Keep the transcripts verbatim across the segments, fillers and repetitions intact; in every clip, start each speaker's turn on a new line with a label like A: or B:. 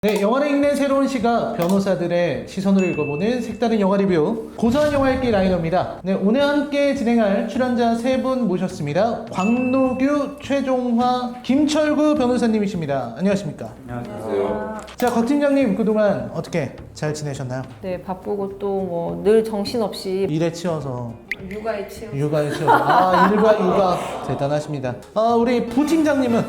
A: 네, 영화를 읽는 새로운 시각, 변호사들의 시선으로 읽어보는 색다른 영화 리뷰 고소한 영화 읽기 라이너입니다. 네, 오늘 함께 진행할 출연자 세 분 모셨습니다. 광노규, 최종화, 김철구 변호사님이십니다. 안녕하십니까?
B: 안녕하세요.
A: 자, 곽 팀장님 그동안 어떻게 잘 지내셨나요?
B: 네, 바쁘고 또 뭐 늘 정신없이
A: 일에 치여서
B: 육아에 치여.
A: 육아에 치여서 아, 일과 육아 대단하십니다. 아, 우리 부팀장님은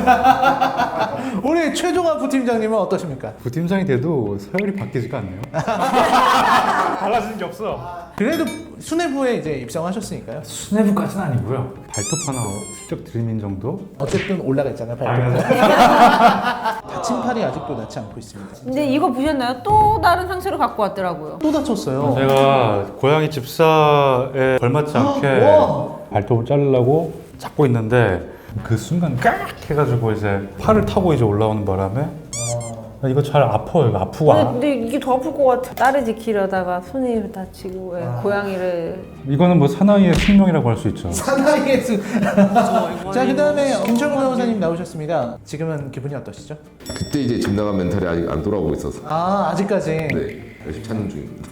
A: 우리 최종화 부팀장님은 어떠십니까?
C: 부팀장이 돼도 서열이 바뀌지가 않네요. 달라지는 게 없어.
A: 그래도 수뇌부에 이제 입성하셨으니까요.
C: 수뇌부까지는 아니고요. 발톱 하나 슬쩍 들이민 정도?
A: 어쨌든 올라가 있잖아요, 발톱. 다친 팔이 아직도 낫지 않고 있습니다.
B: 근데 이거 보셨나요? 또 다른 상처를 갖고 왔더라고요.
A: 또 다쳤어요.
C: 제가 고양이 집사에 걸맞지 않게
A: 와.
C: 발톱을 자르려고 잡고 있는데 그 순간 깍 해가지고 이제 팔을 타고 이제 올라오는 바람에 아, 이거 잘 아파요. 이거 아프고
B: 근데,
C: 안-
B: 근데 이게 더 아플 것 같아. 딸을 지키려다가 손이 다치고 왜 고양이를.
C: 이거는 뭐 사나이의 숙명이라고 할 수 있죠.
A: 사나이의 수. 자, 그 다음에 김철구 변호사님 나오셨습니다. 지금은 기분이 어떠시죠?
D: 그때 이제 집 나간 멘탈이 아직 안 돌아오고 있어서
A: 아, 아직까지.
D: 네 열심히 찾는 중입니다.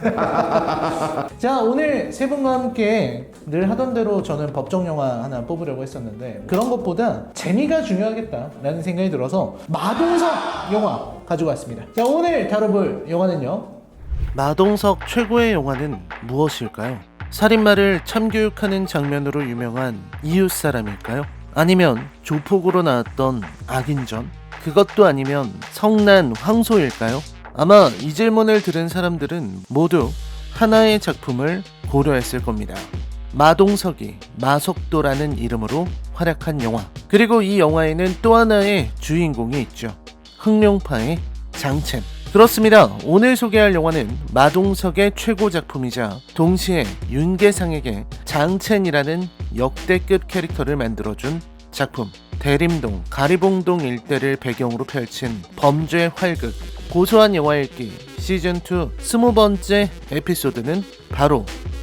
A: 자, 오늘 세 분과 함께 늘 하던 대로 저는 법정 영화 하나 뽑으려고 했었는데 그런 것보다 재미가 중요하겠다라는 생각이 들어서 마동석 영화 가지고 왔습니다. 자, 오늘 다뤄볼 영화는요, 마동석 최고의 영화는 무엇일까요? 살인마를 참교육하는 장면으로 유명한 이웃사람일까요? 아니면 조폭으로 나왔던 악인전? 그것도 아니면 성난 황소일까요? 아마 이 질문을 들은 사람들은 모두 하나의 작품을 고려했을 겁니다. 마동석이 마석도라는 이름으로 활약한 영화. 그리고 이 영화에는 또 하나의 주인공이 있죠. 흑룡파의 장첸. 그렇습니다. 오늘 소개할 영화는 마동석의 최고 작품이자 동시에 윤계상에게 장첸이라는 역대급 캐릭터를 만들어준 작품. 대림동, 가리봉동 일대를 배경으로 펼친 범죄 활극 고소한 영화 읽기 시즌이 스무 번째 에피소드는 바로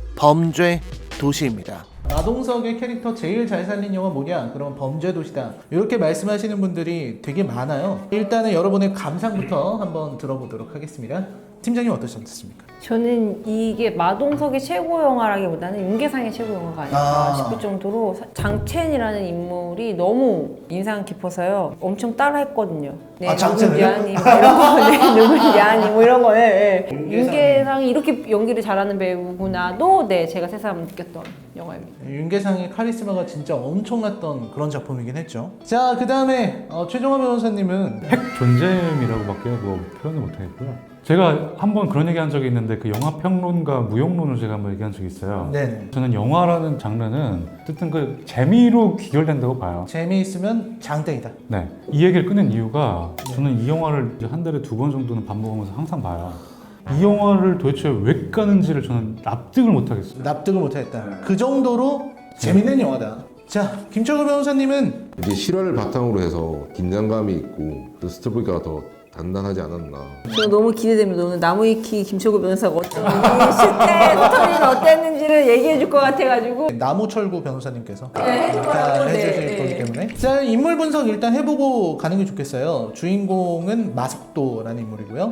A: 범죄 도시입니다. 마동석의 캐릭터 제일 잘 살린 영화 뭐냐? 그럼 범죄 도시다. 이렇게 말씀하시는 분들이 되게 많아요. 일단은 여러분의 감상부터 한번 들어보도록 하겠습니다. 팀장님 어떠셨습니까?
B: 저는 이게 마동석의 최고 영화라기보다는 윤계상의 최고 영화가 아닐까
A: 아.
B: 싶을 정도로 사- 장첸이라는 인물이 너무 인상 깊어서요. 엄청 따라했거든요. 네,
A: 아, 장첸을요?
B: 미안이 뭐 이런 거, 네, 누구 미안이 뭐 이런 거. 네, 네. 윤계상이 이렇게 연기를 잘하는 배우구나도 네 제가 새삼 느꼈던 영화입니다.
A: 윤계상의 카리스마가 진짜 엄청났던 그런 작품이긴 했죠. 자, 그 다음에 어, 최종화 변호사님은
C: 핵 존재임이라고밖에 뭐 표현을 못하겠고요. 제가 한번 그런 얘기한 적이 있는데 그 영화 평론가 무용론을 제가 한번 얘기한 적이 있어요.
A: 네네.
C: 저는 영화라는 장르는 어쨌든 그 재미로 귀결된다고 봐요.
A: 재미있으면 장땡이다.
C: 네, 이 얘기를 꺼낸 이유가 저는 이 영화를 이제 한 달에 두 번 정도는 반복하면서 항상 봐요. 이 영화를 도대체 왜 까는지를 저는 납득을 못하겠어요.
A: 납득을 못하겠다. 그 정도로 재밌는 영화다. 자, 김철구 변호사님은
D: 이제 실화를 바탕으로 해서 긴장감이 있고 그 스토리가 더 단단하지 않았나.
B: 저 너무 기대됩니다. 오늘 나무위키 김철구 변호사가 어땠는지 실제 스토리는 어땠는지를 얘기해 줄 것 같아가지고.
A: 나무철구 변호사님께서
B: 네,
A: 일단
B: 네.
A: 해주실 거기 때문에 자, 인물 분석 일단 해보고 가는 게 좋겠어요. 주인공은 마석도라는 인물이고요.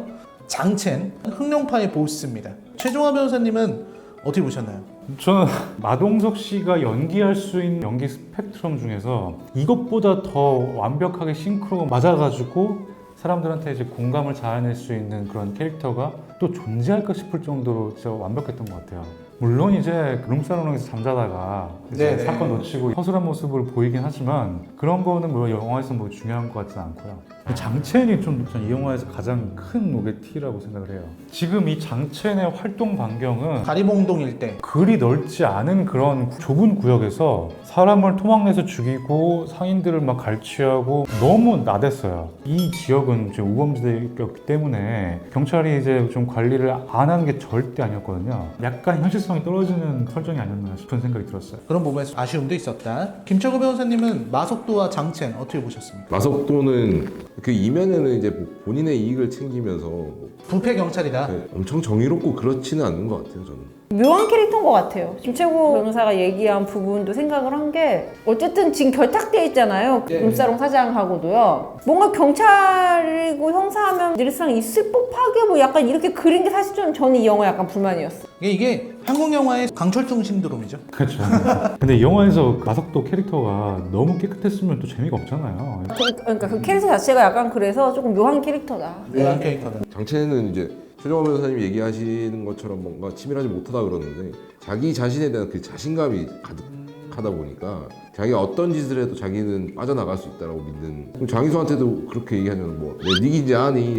A: 장첸, 흑룡파의 보스입니다. 최종화 변호사님은 어떻게 보셨나요?
C: 저는 마동석 씨가 연기할 수 있는 연기 스펙트럼 중에서 이것보다 더 완벽하게 싱크로가 맞아가지고 사람들한테 이제 공감을 자아낼 수 있는 그런 캐릭터가 또 존재할까 싶을 정도로 진짜 완벽했던 것 같아요. 물론 이제 룸사롱에서 잠자다가 이제
A: 네네.
C: 사건 놓치고 허술한 모습을 보이긴 하지만 그런 거는 뭐 영화에서 뭐 중요한 것 같지는 않고요. 장첸이 좀 이 영화에서 가장 큰 노게티라고 생각을 해요. 지금 이 장첸의 활동 반경은
A: 가리봉동 일대.
C: 그리 넓지 않은 그런 좁은 구역에서 사람을 토막내서 죽이고 상인들을 막 갈취하고 너무 나댔어요. 이 지역은 지금 우범지대였기 때문에 경찰이 이제 좀 관리를 안 하는 게 절대 아니었거든요. 약간 현실성이 떨어지는 설정이 아니었나 싶은 생각이 들었어요.
A: 그런 부분에서 아쉬움도 있었다. 김철구 변호사님은 마석도와 장첸 어떻게 보셨습니까?
D: 마석도는 그 이면에는 이제 본인의 이익을 챙기면서 뭐
A: 부패 경찰이다.
D: 엄청 정의롭고 그렇지는 않는 것 같아요 저는.
B: 묘한 캐릭터인 것 같아요. 김채고 변호사가 얘기한 부분도 생각을 한 게 어쨌든 지금 결탁돼 있잖아요.
A: 네.
B: 룸사롱 사장하고도요. 뭔가 경찰이고 형사하면 늘상 있을 법하게 뭐 약간 이렇게 그린 게 사실 좀 저는 이 영화 약간 불만이었어.
A: 이게, 이게 한국 영화의 강철중 신드롬이죠.
C: 그렇죠. 근데 이 영화에서 마석도 캐릭터가 너무 깨끗했으면 또 재미가 없잖아요.
B: 그- 그러니까 그 캐릭터 자체가 약간 그래서 조금 묘한 캐릭터다.
A: 묘한 캐릭터다.
D: 장첸은 이제 최정화 변호사님이 얘기하시는 것처럼 뭔가 치밀하지 못하다 그러는데 자기 자신에 대한 그 자신감이 가득하다 보니까 자기가 어떤 짓을 해도 자기는 빠져나갈 수 있다고 믿는. 그럼 장희수한테도 그렇게 얘기하면 뭐내 니긴지 아니.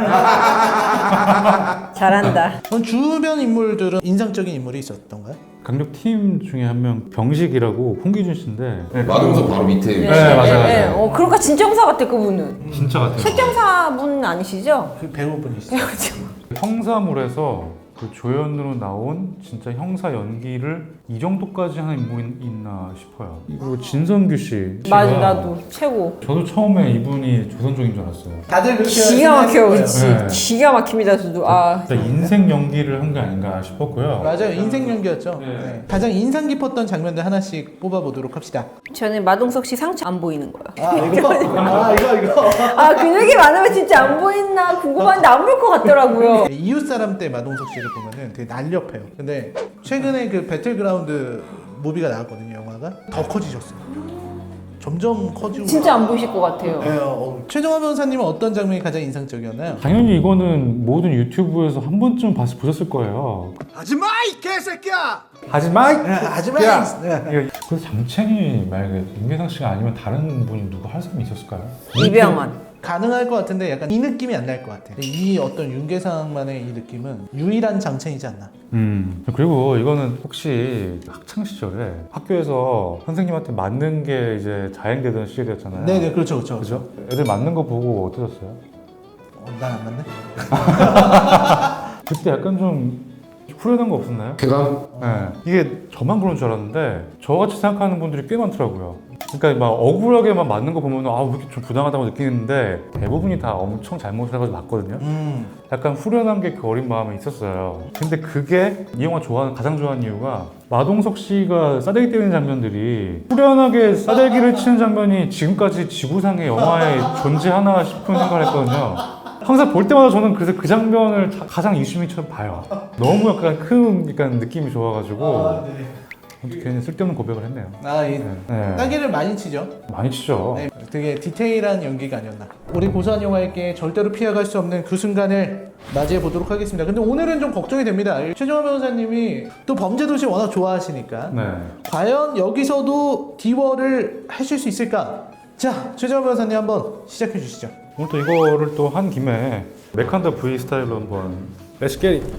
B: 잘한다.
A: 그럼 주변 인물들은 인상적인 인물이 있었던가요?
C: 강력팀 중에 한 명 병식이라고 홍기준 씨인데
D: 마동석 바로 밑에.
C: 네, 맞아요, 맞아요.
B: 어, 그러니까 진짜 형사 같아 그분은.
C: 진짜 같아요.
B: 실경사분 아니시죠?
A: 그 배우분이시죠.
C: 형사물에서 그 조연으로 나온 진짜 형사 연기를 이 정도까지 하는 인물이 있나 싶어요. 그리고 진성규 씨.
B: 맞아
C: 씨가
B: 나도 최고.
C: 저도 처음에 이분이 조선족인 줄 알았어요.
A: 다들 그렇게
B: 기가 막혀요,
A: 생각했어요.
B: 그치?
C: 네.
B: 기가 막힙니다, 저도. 아,
C: 진짜 인생 연기를 한 게 아닌가 싶었고요.
A: 맞아요. 인생 연기였죠.
C: 네.
A: 네. 가장 인상 깊었던 장면들 하나씩 뽑아보도록 합시다.
B: 저는 마동석 씨 상처 안 보이는 거예요.
A: 아 이거? 아 이거 이거.
B: 아, 근육이 많으면 진짜 안 보이나 궁금한데 안 보일 것 같더라고요.
A: 이웃 사람 때 마동석 씨를 보면은 되게 날렵해요. 근데 최근에 그 배틀그라운드 무비가 나왔거든요. 영화가 더 커지셨어요. 점점 커지고.
B: 진짜 안 보이실 것 같아요.
A: 네, 어. 최정화 변호사님은 어떤 장면이 가장 인상적이었나요?
C: 당연히 이거는 모든 유튜브에서 한 번쯤 봐서 보셨을 거예요.
A: 하지마 이 개새끼야!
C: 하지마!
A: 하지마! 네.
C: 그래서 장첸이 만약에 윤계상 씨가 아니면 다른 분이 누구 할 사람이 있었을까요?
B: 이병헌.
A: 가능할 것 같은데 약간 이 느낌이 안 날 것 같아. 이 어떤 윤계상만의 이 느낌은 유일한 장첸이지 않나.
C: 음 그리고 이거는 혹시 학창 시절에 학교에서 선생님한테 맞는 게 이제 자행되던 시절이었잖아요.
A: 네네 그렇죠 그렇죠.
C: 그죠? 애들 맞는 거 보고 어떠셨어요?
A: 어, 난안 맞네.
C: 그때 약간 좀 후련한 거 없었나요?
D: 쾌감?
C: 네. 이게 저만 그런 줄 알았는데 저같이 생각하는 분들이 꽤 많더라고요. 그러니까 막 억울하게만 맞는 거 보면 아, 왜 이렇게 좀 부당하다고 느끼는데 대부분이 다 엄청 잘못해가지고 맞거든요.
A: 음.
C: 약간 후련한 게 그 어린 마음에 있었어요. 근데 그게 이 영화 좋아하는 가장 좋아하는 이유가 마동석 씨가 싸대기 때리는 장면들이 후련하게 싸대기를 치는 장면이 지금까지 지구상의 영화에 존재하나 싶은 생각을 했거든요. 항상 볼 때마다 저는 그래서 그 장면을 자- 가장 이슈미처럼 봐요. 너무 약간 큰 약간 느낌이 좋아가지고
A: 아, 네.
C: 괜히 쓸데없는 고백을 했네요.
A: 아, 이
C: 네.
A: 따기를 많이 치죠.
C: 많이 치죠.
A: 네, 되게 디테일한 연기가 아니었나. 우리 고소한 영화에게 절대로 피해갈 수 없는 그 순간을 맞이해 보도록 하겠습니다. 근데 오늘은 좀 걱정이 됩니다. 최정화 변호사님이 또 범죄도시 워낙 좋아하시니까
C: 네.
A: 과연 여기서도 디워를 하실 수 있을까? 자, 최정화 변호사님 한번 시작해 주시죠.
C: 오늘 또 이거를 또 한 김에 메칸더 V 스타일로 한번 Let's get it.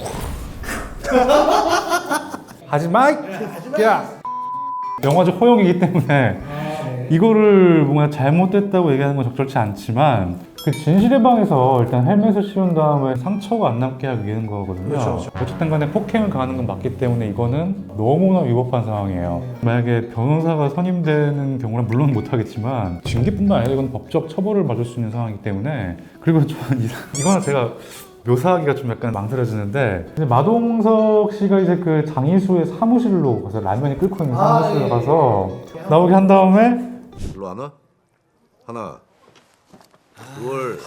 C: 하지마! 야! 영화적 허용이기 때문에 이거를 뭔가 잘못됐다고 얘기하는 건 적절치 않지만 그 진실의 방에서 일단 헬멧을 씌운 다음에 상처가 안 남게 하기 위한 거거든요.
A: 그렇죠, 그렇죠.
C: 어쨌든 간에 폭행을 가하는 건 맞기 때문에 이거는 너무나 위법한 상황이에요. 만약에 변호사가 선임되는 경우는 물론 못하겠지만 징계뿐만 아니라 이건 법적 처벌을 받을 수 있는 상황이기 때문에 그리고 저는 이- 이거는 제가 묘사하기가 좀 약간 망설여지는데 이제 마동석 씨가 이제 그 장희수의 사무실로 가서 라면이 끓고 있는
A: 아,
C: 사무실로
A: 예,
C: 가서
A: 예.
C: 나오게 한 다음에
E: 일로 안 와? 하나, 둘.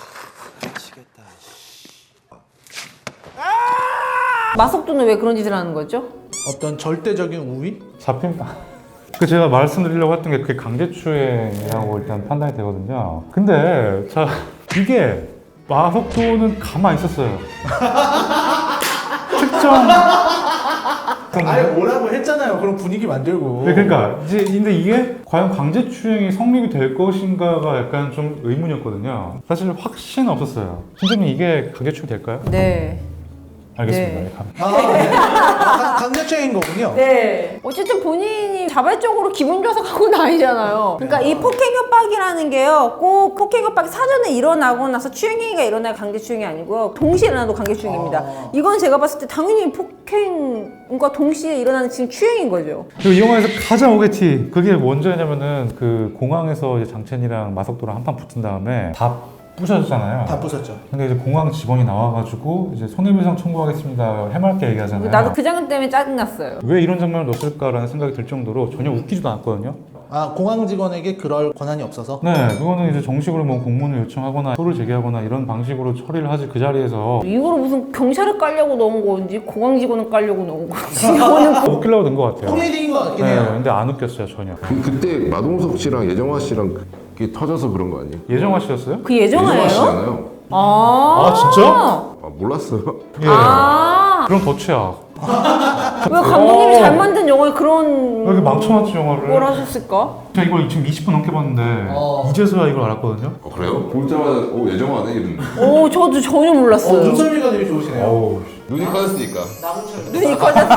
B: 마석도는 왜 그런 짓을 하는 거죠?
A: 어떤 절대적인 우위?
C: 잡힌 그 제가 말씀드리려고 했던 게 그게 강제추행이라고 일단 판단이 되거든요. 근데 자 이게 마석도는 가만히 있었어요. 특정
A: 아예 뭐라고 했잖아요. 그럼 분위기 만들고.
C: 네, 그러니까 이제 근데 이게 과연 강제추행이 성립이 될 것인가가 약간 좀 의문이었거든요. 사실 확신은 없었어요. 팀장님 이게 강제추행 될까요?
B: 네.
C: 알겠습니다.
B: 네.
C: 네, 감-
A: 아, 네. 아, 강제추행인 거군요.
B: 네. 어쨌든 본인이 자발적으로 기분 좋아서 갖고 는 아니잖아요. 그러니까 이 폭행 협박이라는 게요. 꼭 폭행 협박이 사전에 일어나고 나서 추행행위가 일어나야 강제추행이 아니고요. 동시에 일어나도 강제추행입니다.
A: 아.
B: 이건 제가 봤을 때 당연히 폭행과 동시에 일어나는 지금 추행인 거죠.
C: 그리고 이 영화에서 가장 오게티 그게 뭔지냐면은 그 공항에서 이제 장첸이랑 마석도랑 한판 붙은 다음에 다 부셔졌잖아요.
A: 다 부쉈죠.
C: 근데 이제 공항 직원이 나와가지고 이제 손해배상 청구하겠습니다 해맑게 얘기하잖아요.
B: 나도 그 장면 때문에 짜증났어요.
C: 왜 이런 장면을 넣었을까라는 생각이 들 정도로 전혀 웃기지도 않았거든요.
A: 아, 공항 직원에게 그럴 권한이 없어서?
C: 네, 그거는 이제 정식으로 뭐 공문을 요청하거나 소를 제기하거나 이런 방식으로 처리를 하지 그 자리에서
B: 이거를 무슨 경찰을 깔려고 넣은 건지 공항 직원을 깔려고 넣은 건지 이거는
C: 웃기려고 된 것 같아요.
A: 코미디인 것 같긴
C: 네,
A: 해요.
C: 근데 안 웃겼어요 전혀.
D: 그, 그때 마동석 씨랑 예정화 씨랑 그게 터져서 그런 거 아니에요?
C: 예정화 씨였어요?
B: 그 예정화예요?
D: 씨잖아요.
B: 아,
C: 아, 진짜?
D: 아 몰랐어요?
C: 예.
B: 아,
C: 그럼 더 최악.
B: 왜 감독님이 잘 만든 영화에 그런
C: 왜 이렇게 망쳐놨지 영화를?
B: 뭘 하셨을까?
C: 제가 이걸 지금 이십 분 넘게 봤는데
A: 어.
C: 이제서야 이걸 알았거든요.
D: 어, 그래요? 보자마자 오 예정화네 이랬는데
B: 오, 저도 전혀
A: 어,
B: 몰랐어요.
A: 눈썰미가 되게 좋으시네요.
C: 어우.
D: 눈이 빠졌으니까.
B: 눈이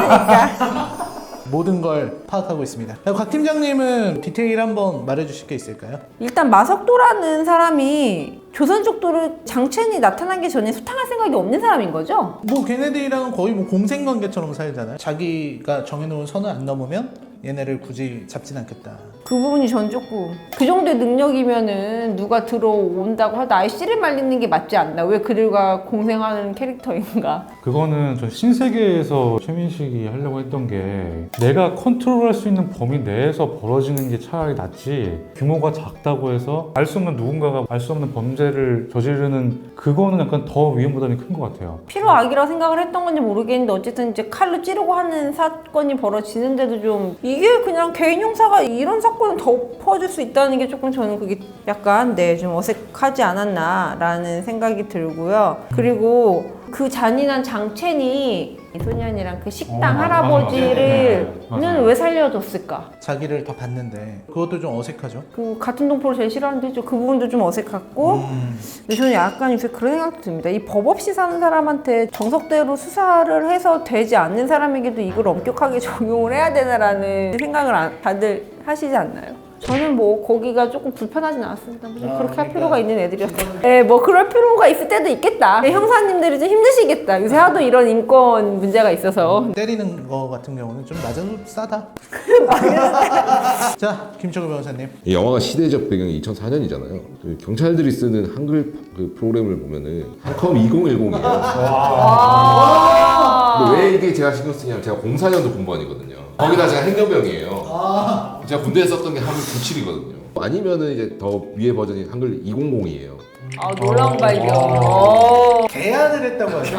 B: 커졌으니까.
A: 모든 걸 파악하고 있습니다. 곽 팀장님은 디테일 한번 말해주실 게 있을까요?
B: 일단 마석도라는 사람이 조선족도를 장첸이 나타나기 전에 수탕할 생각이 없는 사람인 거죠?
A: 뭐 걔네들이랑은 거의 뭐 공생관계처럼 살잖아요. 자기가 정해놓은 선을 안 넘으면 얘네를 굳이 잡진 않겠다.
B: 그 부분이 전 조금 그 정도의 능력이면은 누가 들어온다고 하다 아예 씨를 말리는 게 맞지 않나? 왜 그들과 공생하는 캐릭터인가?
C: 그거는 전 신세계에서 최민식이 하려고 했던 게 내가 컨트롤할 수 있는 범위 내에서 벌어지는 게 차라리 낫지 규모가 작다고 해서 알 수 없는 누군가가 알 수 없는 범죄를 저지르는 그거는 약간 더 위험 부담이 큰 것 같아요.
B: 필요악이라 생각을 했던 건지 모르겠는데 어쨌든 이제 칼로 찌르고 하는 사건이 벌어지는데도 좀 이게 그냥 개인 형사가 이런 사건을 덮어줄 수 있다는 게 조금 저는 그게 약간 네 좀 어색하지 않았나라는 생각이 들고요. 그리고 그 잔인한 장첸이 소년이랑 그 식당
C: 어, 맞아, 맞아.
B: 할아버지를
C: 네, 네, 네.
B: 는 왜 살려줬을까?
A: 자기를 더 봤는데 그것도 좀 어색하죠.
B: 그 같은 동포를 제일 싫어하는데 좀 그 부분도 좀 어색했고
A: 음.
B: 근데 저는 약간 요새 그런 생각도 듭니다. 이 법 없이 사는 사람한테 정석대로 수사를 해서 되지 않는 사람에게도 이걸 엄격하게 적용을 해야 되나라는 생각을 안- 다들 하시지 않나요? 저는 뭐 거기가 조금 불편하진 않았습니다. 뭐 좀
A: 아,
B: 그렇게 할
A: 그러니까.
B: 필요가 있는 애들이었다. 네, 뭐 그럴 필요가 있을 때도 있겠다. 네, 형사님들이 좀 힘드시겠다. 요새 하도 이런 인권 문제가 있어서.
A: 때리는 거 같은 경우는 좀 낮아도 싸다. 자, 김철구 변호사님.
D: 이 영화가 시대적 배경이 이천사 년이잖아요. 그 경찰들이 쓰는 한글 그 프로그램을 보면은 한컴 이천십이에요.
B: 아.
D: 근데 왜 이게 제가 신경 쓰냐면 제가 공사 년도 공무원이거든요. 거기다 제가 행정병이에요. 제가 군대에 썼던 게 한글 구십칠이거든요. 아니면은 이제 더 위에 버전이 한글 이천이에요.
B: 아, 놀라운 발견. 어.
A: 개안을 했다고 하죠.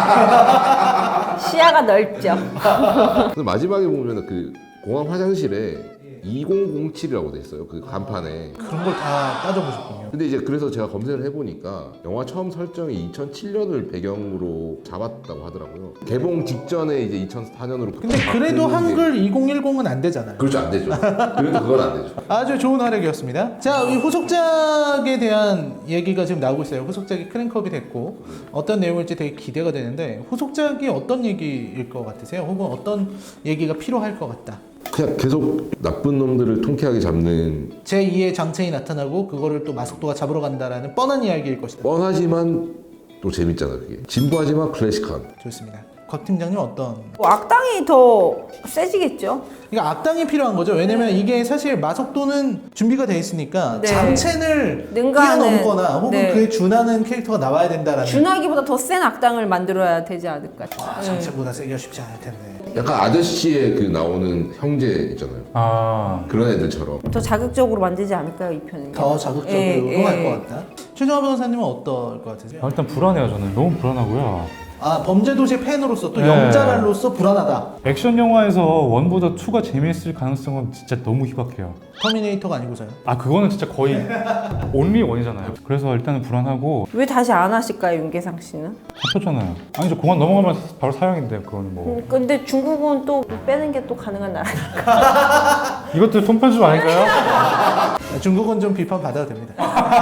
B: 시야가 넓죠.
D: 근데 마지막에 보면 그 공항 화장실에 이천칠이라고 돼 있어요. 그 간판에.
A: 그런 걸 다 따져보셨군요.
D: 근데 이제 그래서 제가 검색을 해보니까 영화 처음 설정이 이천칠 년을 배경으로 잡았다고 하더라고요. 개봉 직전에 이제 이천사 년으로.
A: 근데 그래도 한글 이천십은 안 되잖아요.
D: 그렇죠, 안 되죠. 그래도 그건 안 되죠.
A: 아주 좋은 활약이었습니다. 자, 이 후속작에 대한 얘기가 지금 나오고 있어요. 후속작이 크랭크업이 됐고 어떤 내용일지 되게 기대가 되는데 후속작이 어떤 얘기일 것 같으세요? 혹은 어떤 얘기가 필요할 것 같다?
D: 그냥 계속 나쁜 놈들을 통쾌하게 잡는
A: 제이의 장첸이 나타나고 그거를 또 마석도가 잡으러 간다라는 뻔한 이야기일 것이다.
D: 뻔하지만 또 재밌잖아 그게. 진부하지만 클래식한.
A: 좋습니다. 곽 팀장님 어떤?
B: 뭐 악당이 더 세지겠죠.
A: 그러니까 악당이 필요한 거죠. 왜냐면 이게 사실 마석도는 준비가 돼 있으니까
B: 네.
A: 장첸을
B: 능가하는-
A: 뛰어넘거나 혹은
B: 네.
A: 그에 준하는 캐릭터가 나와야 된다라는.
B: 준하기보다 더 센 악당을 만들어야 되지 않을까.
A: 아,
B: 네.
A: 장첸보다 세기가 쉽지 않을 텐데.
D: 약간 아저씨의 그 나오는 형제 있잖아요.
C: 아,
D: 그런 애들처럼.
B: 더 자극적으로 만들지 않을까요, 이 편은?
A: 더 자극적으로
B: 예,
A: 할
B: 예.
A: 것 같다. 최정화 변호사님은 어떨 것 같으세요?
C: 아, 일단 불안해요 저는. 너무 불안하고요.
A: 아, 범죄도시 팬으로서 또
C: 네.
A: 영자랄로서 불안하다.
C: 액션 영화에서 원보다 투가 재미있을 가능성은 진짜 너무 희박해요.
A: 터미네이터가 아니고서요.
C: 아 그거는 진짜 거의 온리 원이잖아요. 그래서 일단은 불안하고
B: 왜 다시 안 하실까요, 윤계상 씨는?
C: 잡혔잖아요. 아니죠 공항 넘어가면 바로 사형인데 그건 뭐
B: 음, 근데 중국은 또 빼는 게 또 가능한 나라니까.
C: 이것도 손편집 아닌가요?
A: 중국은 좀 비판 받아도 됩니다.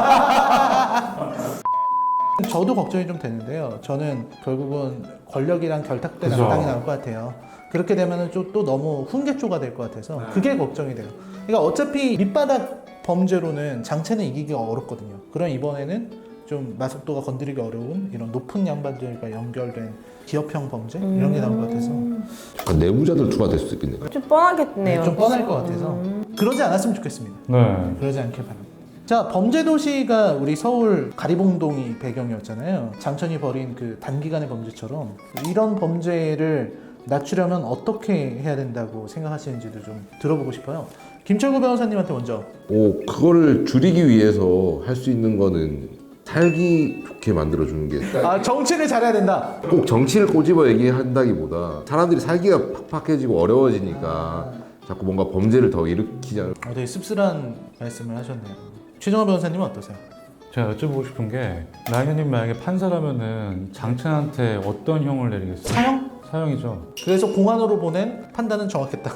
A: 저도 걱정이 좀 되는데요. 저는 결국은 권력이랑 결탁된
C: 그죠.
A: 악당이 나올 것 같아요. 그렇게 되면은 좀 또 너무 훈계조가 될 것 같아서 그게 걱정이 돼요. 그러니까 어차피 밑바닥 범죄로는 장첸은 이기기가 어렵거든요. 그럼 이번에는 좀 마석도가 건드리기 어려운 이런 높은 양반들과 연결된 기업형 범죄 이런 게 나올 것 같아서
D: 약간 내부자들 투가 될 수도 있겠네요.
B: 좀 뻔하겠네요.
A: 좀 뻔할 것 같아서 그러지 않았으면 좋겠습니다.
C: 네.
A: 그러지 않길 바랍니다. 자, 범죄도시가 우리 서울 가리봉동이 배경이었잖아요. 장천이 벌인 그 단기간의 범죄처럼 이런 범죄를 낮추려면 어떻게 해야 된다고 생각하시는지도 좀 들어보고 싶어요. 김철구 변호사님한테 먼저.
D: 오, 그거를 줄이기 위해서 할 수 있는 거는 살기 좋게 만들어주는 게 꼭
A: 아, 정치를 잘해야 된다.
D: 정치를 꼬집어 얘기한다기보다 사람들이 살기가 팍팍해지고 어려워지니까 자꾸 뭔가 범죄를 더 일으키잖아요.
A: 어, 되게 씁쓸한 말씀을 하셨네요. 최정화 변호사님은 어떠세요?
C: 제가 여쭤보고 싶은 게 라이너님 만약에 판사라면은 장첸한테 어떤 형을 내리겠어요?
A: 사형?
C: 사형이죠.
A: 그래서 공안으로 보낸 판단은 정확했다.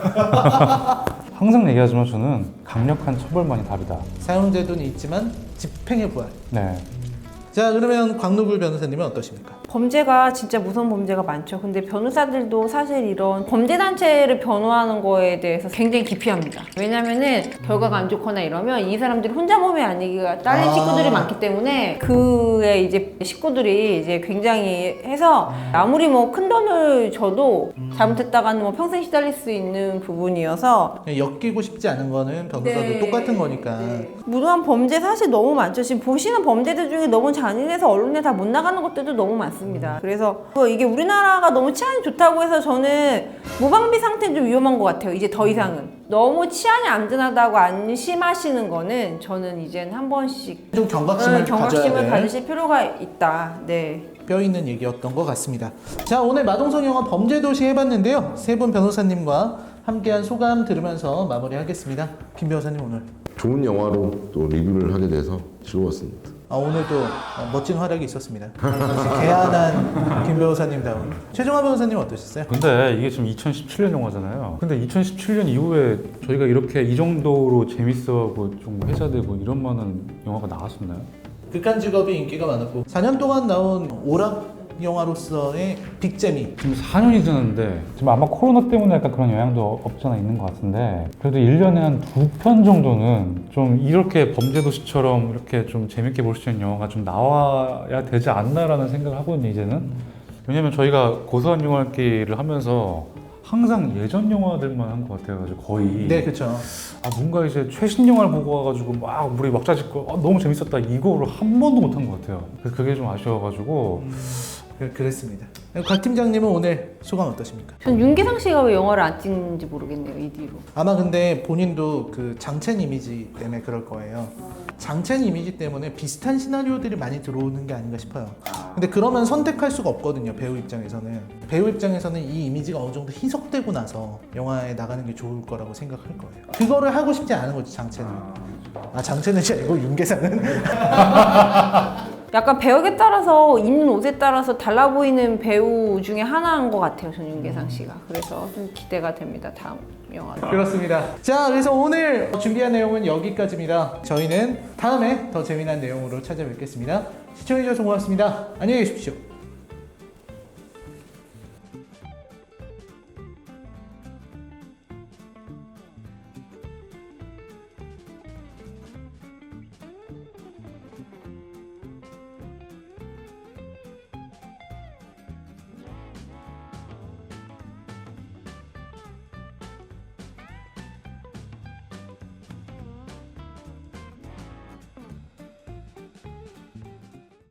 C: 항상 얘기하지만 저는 강력한 처벌만이 답이다.
A: 사형제도는 있지만 집행의 부활.
C: 네.
A: 자, 그러면 광누굴 변호사님은 어떠십니까?
B: 범죄가 진짜 무서운 범죄가 많죠. 근데 변호사들도 사실 이런 범죄 단체를 변호하는 거에 대해서 굉장히 기피합니다. 왜냐면은 결과가 안 좋거나 이러면 이 사람들이 혼자 몸이 아니기가 딸린
A: 아.
B: 식구들이 많기 때문에 그의 이제 식구들이 이제 굉장히 해서 아무리 뭐 큰 돈을 줘도 잘못했다가는 뭐 평생 시달릴 수 있는 부분이어서
A: 엮이고 싶지 않은 거는 변호사도
B: 네.
A: 똑같은 거니까.
B: 무도한 범죄 사실 너무 많죠. 지금 보시는 범죄들 중에 너무 잔인해서 언론에 다 못 나가는 것들도 너무 많습니다. 그래서 이게 우리나라가 너무 치안이 좋다고 해서 저는 무방비 상태는 좀 위험한 것 같아요. 이제 더 이상은. 너무 치안이 안전하다고 안심하시는 거는 저는 이제는 한 번씩
A: 좀 경각심을,
B: 음, 경각심을
A: 가져야 될
B: 가지실 필요가 있다. 네.
A: 뼈 있는 얘기였던 것 같습니다. 자, 오늘 마동석 영화 범죄도시 해봤는데요. 세 분 변호사님과 함께한 소감 들으면서 마무리하겠습니다. 김 변호사님 오늘.
D: 좋은 영화로 또 리뷰를 하게 돼서 즐거웠습니다.
A: 아, 오늘도 멋진 활약이 있었습니다. 개안한 김 변호사님다운. 최정화 변호사님 어떠셨어요?
C: 근데 이게 지금 이천십칠 년 영화잖아요. 근데 이천십칠 년 이후에 저희가 이렇게 이 정도로 재밌어하고 좀 회자되고 이런 많은 영화가 나왔었나요?
A: 극한 직업이 인기가 많았고 사 년 동안 나온 오락 영화로서의 빅재미.
C: 지금 사 년이 지났는데 지금 아마 코로나 때문에 약간 그런 영향도 없지 않아 있는 것 같은데 그래도 일 년에 한 두 편 정도는 좀 이렇게 범죄도시처럼 이렇게 좀 재밌게 볼 수 있는 영화가 좀 나와야 되지 않나라는 생각을 하거든요 이제는. 왜냐면 저희가 고소한 영화기를 하면서 항상 예전 영화들만 한 것 같아가지고 거의
A: 네, 그렇죠.
C: 아 뭔가 이제 최신 영화를 보고 와가지고 막 우리 막자짓고 아, 너무 재밌었다 이거를 한 번도 못 한 것 같아요. 그래서 그게 좀 아쉬워가지고
A: 그- 그랬습니다. 곽 팀장님은 오늘 소감 어떠십니까?
B: 전 윤계상 씨가 왜 영화를 안 찍는지 모르겠네요. 이 뒤로.
A: 아마 근데 본인도 그 장첸 이미지 때문에 그럴 거예요. 장첸 이미지 때문에 비슷한 시나리오들이 많이 들어오는 게 아닌가 싶어요. 근데 그러면 선택할 수가 없거든요. 배우 입장에서는. 배우 입장에서는 이 이미지가 어느 정도 희석되고 나서 영화에 나가는 게 좋을 거라고 생각할 거예요. 그거를 하고 싶지 않은 거지, 장첸은. 아, 장첸은 아니고 윤계상은.
B: 약간 배역에 따라서 입는 옷에 따라서 달라 보이는 배우 중에 하나인 것 같아요. 전 윤계상 씨가. 그래서 좀 기대가 됩니다. 다음 영화.
A: 그렇습니다. 자, 그래서 오늘 준비한 내용은 여기까지입니다. 저희는 다음에 더 재미난 내용으로 찾아뵙겠습니다. 시청해주셔서 고맙습니다. 안녕히 계십시오.